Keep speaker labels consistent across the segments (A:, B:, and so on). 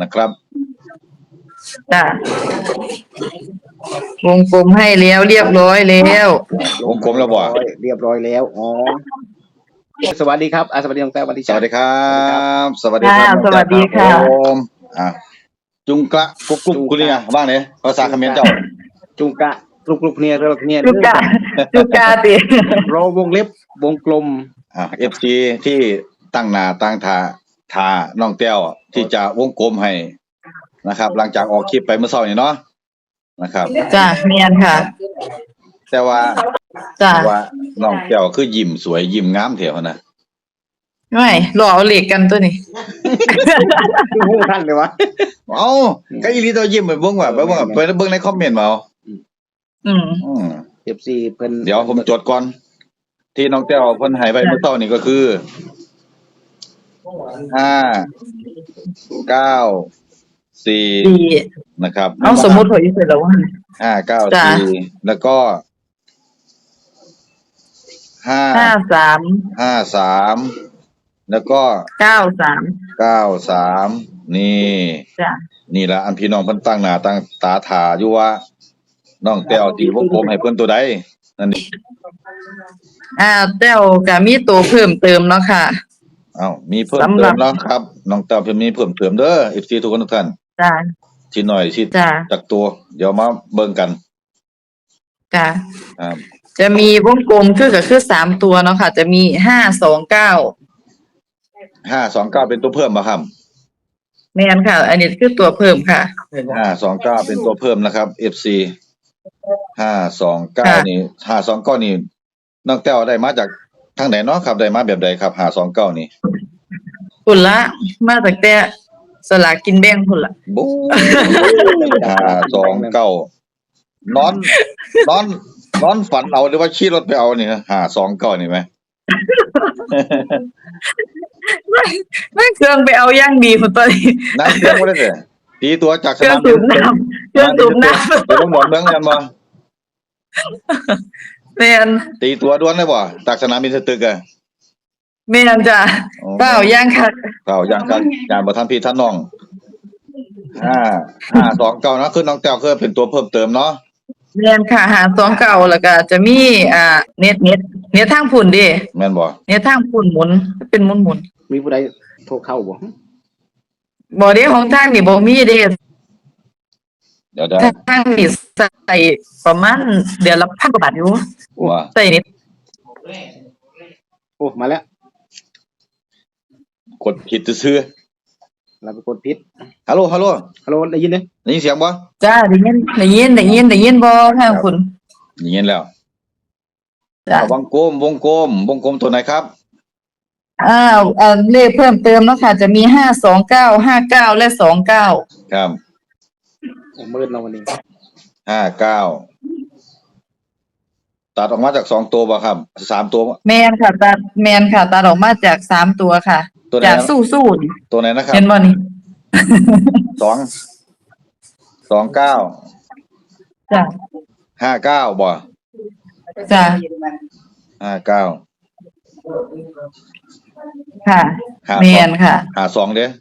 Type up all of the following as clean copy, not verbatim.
A: นะครับ
B: จ้ะวงกลมให้แล้วเรียบร้อยแล้ว
A: วงกลมแล้วบ่
C: เรียบร้อยแล้วอ๋อสวัสดีครับสวัสดีน้องแต้วสวัสดี
A: สวัสดีครับสวัสดี
B: ค่ะ
A: ครับ
B: สวัสดีค่ะ
A: ผมจุงกระกุ๊กกุ๊กกุลีบ้างเนี่ยภาษาเขมรเจ้า
C: จุงกะกลุกเนี่ยเนี่ย
B: จุกาติ
C: โรวงเล็บวงกลม
A: FC ที่ตั้งหน้าตั้งทาน้องแต้วที่จะวงกลมให้นะครับ หลังจากออกคลิปไปเมื่อเช้านี่เนาะนะครับ
B: จ้ะเมียนค่ะ
A: แต่ว่า
B: จ้ะ
A: น้องแต้วคือยิ้มสวยยิ้มงามแถวนะ
B: ไม่รอเอาเหล็กกันตัวนี้
C: คือหูท่านเลยวะ
A: เอ้าก็อีหลีตัวยิ้มไปเบิ่งว่าไปเบิ่งในคอมเมนต์มาเอา
B: อืม
C: FC เพิ่น
A: เดี๋ยวผมจดก่อน ที่น้องแต้วเพิ่นให้ไปเมื่อเช้านี่ก็คือ5 9
B: ดี
A: 4นะครับ
B: เอาสมมุติพออยู่เสร็จแล้วว่า
A: 5 9
B: จ้ะ
A: 4แล้วก็
B: 53
A: 53แล้วก็
B: 93
A: นี่
B: จ้ะ
A: นี่ล่ะอันพี่น้องเพิ่นตั้งหน้าตั้งตาท่าอยู่ว่าน้องแต้วสิวงกลมให้เพิ่นตัวใดนั่นนี่
B: แต้วก็มีตัวเพิ่มเติมเนาะค่ะ
A: มีเพิ่มเติมแล้วครับน้องแต้วเพิ่นมีเพิ่มเติมเด้อ FC ทุกคนทุกท่าน
B: จ้ะ
A: สิหน่อยสิ
B: จ้ะ
A: จากตัว เดี๋ยวมาเบิ่งกัน
B: จ้ะ
A: ครับ
B: จะมีวงกลมก็คือ3ตัวเนาะค่ะ จะมี529
A: 529เป็นตัวเพิ่มบ่ครับ
B: แม่นค่ะ อันนี้คือตัวเพิ่มค่ะ
A: 529เป็นตัวเพิ่มนะครับ FC 529นี่529นี่น้องแต้วได้มาจากทางไหนเนาะครับได้มาแบบใดครับ529นี่
B: พุ่นละมาตั้งแต่สลากกินแบ่งพุ่นละ
A: บู๊529นอนฝันเอาหรือว่าขี่รถไปเอานี่529นี่ไหม
B: นั่นเครื่องไปเอาย่างดีพุ่นตัวนี้
A: นั่งเครื่องบ่ได้เด้อตีตัวจาก
B: เค
A: ส
B: รื่อง
A: นาม
B: สู
A: บิน
B: บน้ำเครื่องสูบน้ำ
A: ไปลงหนองเมืองกันบ่
B: แม่น
A: ตีตัวด่วนเลยบ่จากสนามบินสตึกอ่ะ
B: แม่นจ้ะเปล่าย่างคัก
A: เปล่าอย่างกันอย่างบ่ทันพี่ท่านน้อง529นะคือน้องแต้วคือเป็นตัวเพิ่มเติมเนาะ
B: แม่นค่ะ529แล้วก็จะมีเน็ตทางพุ่นเด้
A: แม่นบ่
B: เน็ตทางพุ่นหมุนเป็นหมุน
C: มีผู้ใดโทรเข้าบ่
B: ๆบ่เด้ของทางนี่บ่มีเด้
A: เดี๋ยว
B: ทางนี่ใส่ประมาณเดือนละ1,000 กว่าบาทอยู่
A: ว่า
B: ใส่เน็ต
C: โอ้มาแล้ว
A: กดผิดซื่อ
C: เราไปกดพิษ
A: ๆฮัลโหล
C: ฮัลโหลได้ยินเด้
A: ได้ยินเสียงบ่
B: จ้าได้ยินบ่ทางคุณ
A: ได้ยินแล้ว
B: จ้า
A: วงกลมตัวไหนครับ
B: เลขเพิ่มเติมเนาะค่ะ จะมี529 59และ29
A: ครับ
C: มืดเนาะวันนี้
A: 59ตัดออกมาจาก2ตัวบ่ครับ3ตัว
B: แม่นค่ะตัดออกมาจาก3ตัวค่ะ
A: ตัวไหน
B: จากสู้ๆนี่
A: ตัวไหนนะครับ
B: เห็นบ่นี่
A: 29
B: จ้า
A: 59บ่
B: จ้า
A: 59
B: ค่ะแม่นค่ะ
A: 52เด้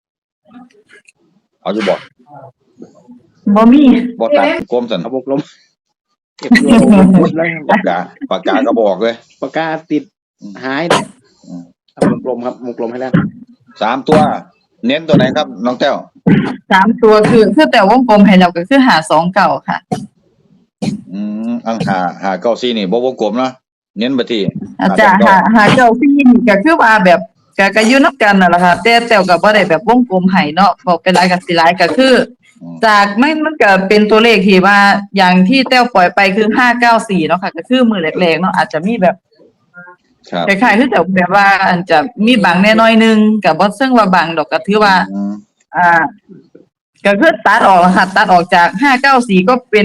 A: เอาอยู่บ่
B: บ่มี
A: บ่ตัดกลมซั่น
C: เอาวงกลมเก็บตัวหมดแล้ว
A: ปากกาก็บอกเลย
C: ปากกาติดหายเอาวงกลมครับวงกลมให้แล้ว
A: 3ตัว เน้นตัวไหนครับน้องแต้ว
B: 3ตัวคือแต่วงกลมให้เราก็คือ529ค่ะ
A: อังหา94นี่บ่วงกลมเนาะเน้นไปที่
B: อาจารย์หาเจ้าพี่นี่ก็คือว่าแบบก็อยู่นับกันนั่นแหละค่ะแต่ก็บ่ได้แบบวงกลมให้เนาะบอกเป็นหลายกับสิหลายก็คือ จากมันก็เป็นตัวเลขที่ว่าอย่างที่แต้วปล่อยไปคือ594เนาะค่ะก็คือมือแรกๆเนาะอาจจะมีแบบ
A: ครับ
B: คล้ายๆคือแต่แบบว่าอันจะมีบางแน่น้อยนึงก็บ่ซึ่งว่าบางดอกก็ถือว่า อ่า ก็คือตัดออกค่ะตัดออกจาก594ก็เป็น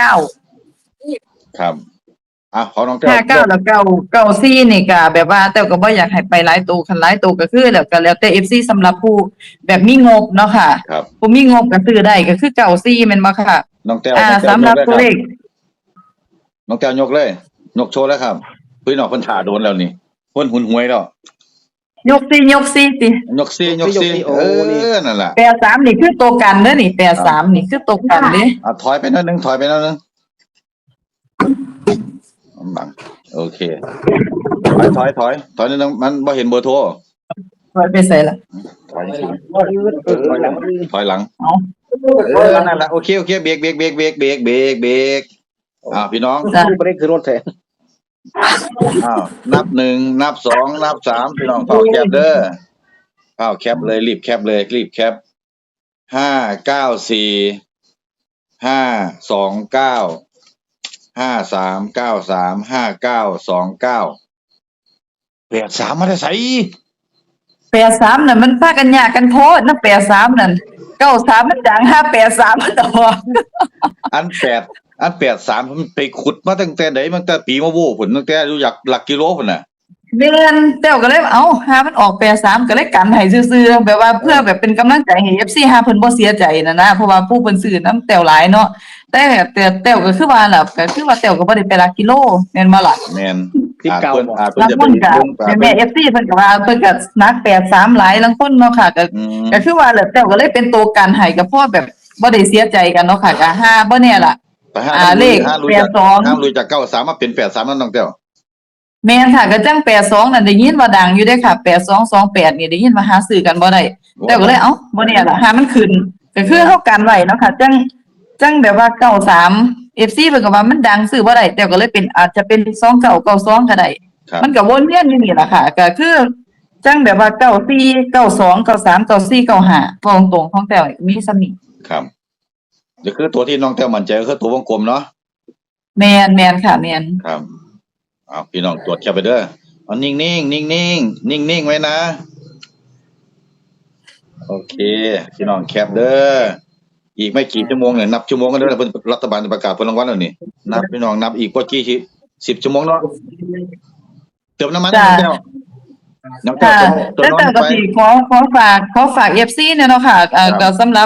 B: 59
A: ครับของน้องแต้ว
B: 59แล้ว94นี่ก็แบบว่าแต่ก็บ่อยากให้ไปหลายตัวคันหลายตัวก็คือแล้วแต่ FC สำหรับผู้แบบมีงบเนาะค่ะ
A: ครับ
B: ผู้มีงบก็ซื้อได้ก็คือ94แม่นบ่ค่ะ
A: น้องแต้ว
B: สำหรับตัวเลข
A: น้องแต้วยกเลยยกโชว์แล้วครับพี่น้องเพิ่นถ่าโดนแล้วนี่เพิ่นหุนหวยแล้ว
B: ยกซี่
A: ยกซี่นั่นแหละ
B: 83นี่คือตัวกันเด้อนี่83นี่คือตัวกันเด้
A: ถอยไปหน่อยนึงบังโอเคถอยนิดนึงมันบ่เห็นเบอร์โทร
B: ถอยไปใส่ละ
A: ถอยหลังนั่นแหละโอเคเบรกพี่น้อง
C: เบรกคือรถแทน
A: นับ1นับ2นับ3พี่น้องเฝ้าแคปเด้อแคปเลยรีบแคป594 5393 5929 83มาได้ไส
B: 83นั่นมันพากันยากกันโพดนะ83นั่น93มันดัง583มันออก
A: อัน83มันไปขุดมาตั้งแต่ไหนตั้งแต่ปีมะโว้พุ่นตั้งแต่รู้จักหลักกิโลพุ่นน่ะ
B: แม่นแต้วก็เลยหามันออก83ก็เลยกันให้ซื่อๆแบบว่าเพื่อแบบเป็นกำลังใจให้ FC หาเพิ่นบ่เสียใจนะเพราะว่าผู้เพิ่นซื้อนํแต้วหลายเนาะแต่แต้วก็คือว่าล่ะก็คือว่าแต้วก็บ่ได้ไปหลักกิโลแม่นบ่ล่ะ
A: แม่น
C: ที่เก่า
A: เพิ่นจะเป็น
B: แม่ FC เพิ่นก็ว่าเพิ่นก็นัก83หลายลางคนเนาะค่ะก็คือว่าแต้วก็เลยเป็นตัวกันให้ก็พอแบบบ่ได้เสียใจกันเนาะค่ะก็หาบ่แน่ล่ะเลข
A: 82รู้จัก93มาเป็น83นั่นน้องแต้ว
B: แม่นค่ะก็จัง82นั่นได้ยินว่าดังอยู่เด้ค่ะ8228นี่ได้ยินว่าหาซื้อกันบ่ได้แต่ก็เลยบ่แน่ล่ะหามันขึ้นก็คือเฮากันไว้เนาะค่ะจังแบบว่า93 FC เพิ่นก็ว่ามันดังซื้อบ่ได้แต่ก็เลยเป็นอาจจะเป็น2992ก็ได้มันก็วนเวียนอยู่นี่ล่ะค่ะก็คือจังแบบว่า94 92 93 94 95ตรงๆของแต่มีส่ำนี้
A: ครับก็คือตัวที่น้องแต้วมั่นใจก็คือตัววงกลมเนาะ
B: แม่นค่ะแม่น
A: ครับพี่น้องตรวจแคปไปเด้อนิ่งไว้นะโอเคพี่น้องแคปเด้ออีกไม่กี่ชั่วโมงเนี่ยนับชั่วโมงกันเด้อเพิ่นรัฐบาลจะประกาศผลรางวัลแล้วนี่นับพี่น้องนับอีกว่ากี่10ชั่วโมงเนาะเติมน้ำมันน้องแก้ว
B: แต่ก็สิขอฝาก FC เนี่ยเนาะค่ะก็สำหรับ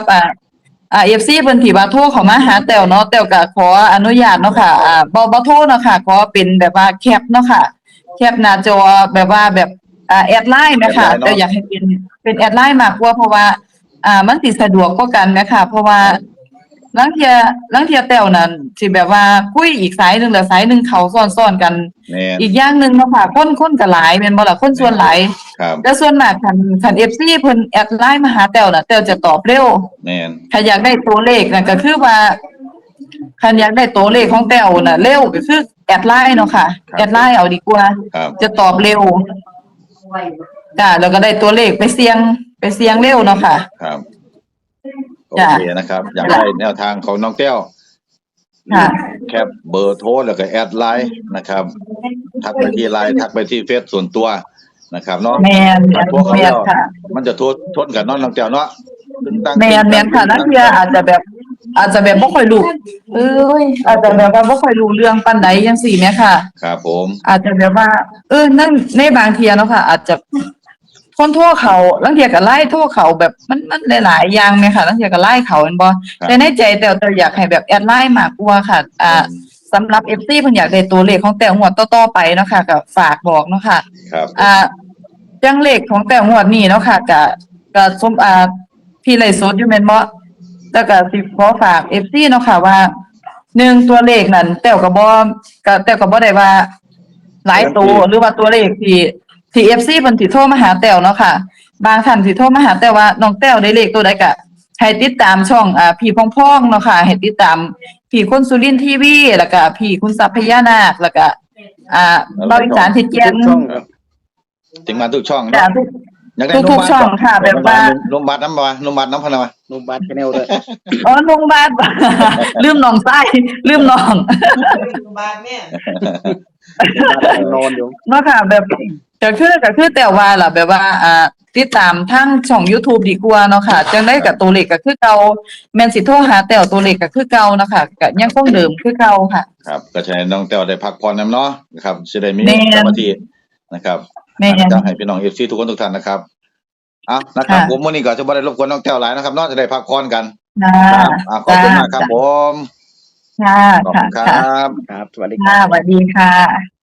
B: FC เพิ่นที่ว่าโทรเข้ามาหาแต้วเนาะแต้วก็ขออนุญาตเนาะค่ะบ่โทรเนาะค่ะขอเป็นแบบว่าแคปเนาะค่ะแคปหน้าจอแบบว่าแบบแอดไลน์นะคะแต้วอยากให้เป็นแอดไลน์มากกว่าเพราะว่ามันสิสะดวกกว่ากันนะคะเพราะว่าลางเที่ยแต้วนั่นสิแบบว่าคุยอีกสายนึงแล้วสายนึงเข้าซ้อนๆกันอีกอย่างนึงเนาะค่ะคนก็หลายแม่นบ่ล่ะคนส่วนหลายแต่ส่วนมากคัน FC เพิ่นแอดไลน์มาหาแต้วน่ะแต้วจะตอบเร็ว
A: แม่น
B: ถ้าอยากได้ตัวเลขน่ะก็คือว่าคันอยากได้ตัวเลขของแต้วน่ะเร็วก็คือแอดไลน์เนาะค่ะแอดไลน์เอาดีกว่าจะตอบเร็วจ้ะแล้วก็ได้ตัวเลขไปเสี่ยงเร็วเนาะค่ะ
A: ครับโอเคนะครับอยากได้แนวทางของน้องแก้วแคปเบอร์โทรแล้วก็แอดไลน์นะครับทักไปที่ไลน์ทักไปที่เฟซส่วนตัวนะครับเนาะ
B: แม่น
A: ค่ะมันจะทนกันเนาะน้องแก้วเนาะ
B: แม่นค่ะนักเรียนอาจจะแบบบ่ค่อยรู้อาจจะแบบว่าบ่ค่อยรู้เรื่องปานใดจังซี่แหมค่ะ
A: ครับผม
B: อาจจะแบบว่านั่นในบางเที่ยเนาะค่ะอาจจะคนโทรเขาลางเที่ยก็ไล่โทรเขาแบบมันหลายๆอย่างแม่ค่ะลางเที่ยก็ไล่เขาแม่นบ่แต่ในใจแต้วอยากให้แบบแอดไลน์มากกว่าค่ะสำหรับ FC เพิ่นอยากได้ตัวเลขของแต้วงวดต่อๆไปเนาะค่ะก็ฝากบอกเนาะค่ะ
A: ครับ
B: จังเลขของแต้วงวดนี้เนาะค่ะก็สมพี่ไลฟ์สดอยู่แม่นบ่แล้วก็สิขอฝาก FC เนาะค่ะว่า1ตัวเลขนั้นแต้วก็บ่ได้ว่าหลายตัวหรือว่าตัวเลขที่ FC เพิ่นสิโทรมาหาแต้วเนาะค่ะบางท่านสิโทรมาหาแต้วว่าน้องแต้วได้เลขตัวใดก็ให้ติดตามช่องพี่พองๆเนาะค่ะให้ติดตามพี่คนสุรินทร์ทีวีแล้วก็พี่คุณทรัพย์พญานาคแล้วก็บริการที่แจ้ง
A: ถึงมาทุกช่อง
B: อยากได้ทุกช่องค่ะแบบว่า
A: โรงพยาบาลน้ำพนา
C: โรงพยาบาลแนวเลย
B: โรงพยาบาลลืมน้องไส้ลืมน้อง
D: โรงพยาบาลเนี่ย
C: นอนอยู่
B: เนาะค่ะแบบก็คือแต่ว่าล่ะแบบว่าติดตามทางช่อง YouTube ดีกว่าเนาะค่ะจังได๋ก็ตัวเลขก็คือเก่าแม่นสิโทรหาแต้วตัวเลขก็คือเก่าเนาะค่ะก็ยังคงเดิมคือเก่าค่ะ
A: ครับก็ใช้น้องแต้วได้พักผ่อนนำเนาะนะครับสิได้มีสมาธินะครับจะให้พี่น้อง FC ทุกคนทุกท่านนะครับนะครับผมมื้อนี้ก็จะบ่ได้รบกวนน้องแต้วหลายนะครับเนาะจะได้พักผ่อนกันครับขอบคุณมากครับผม
B: ค่ะ
A: ขอบคุณครับ
C: ครับสวัสดีครับ
B: สวัสดีค่ะ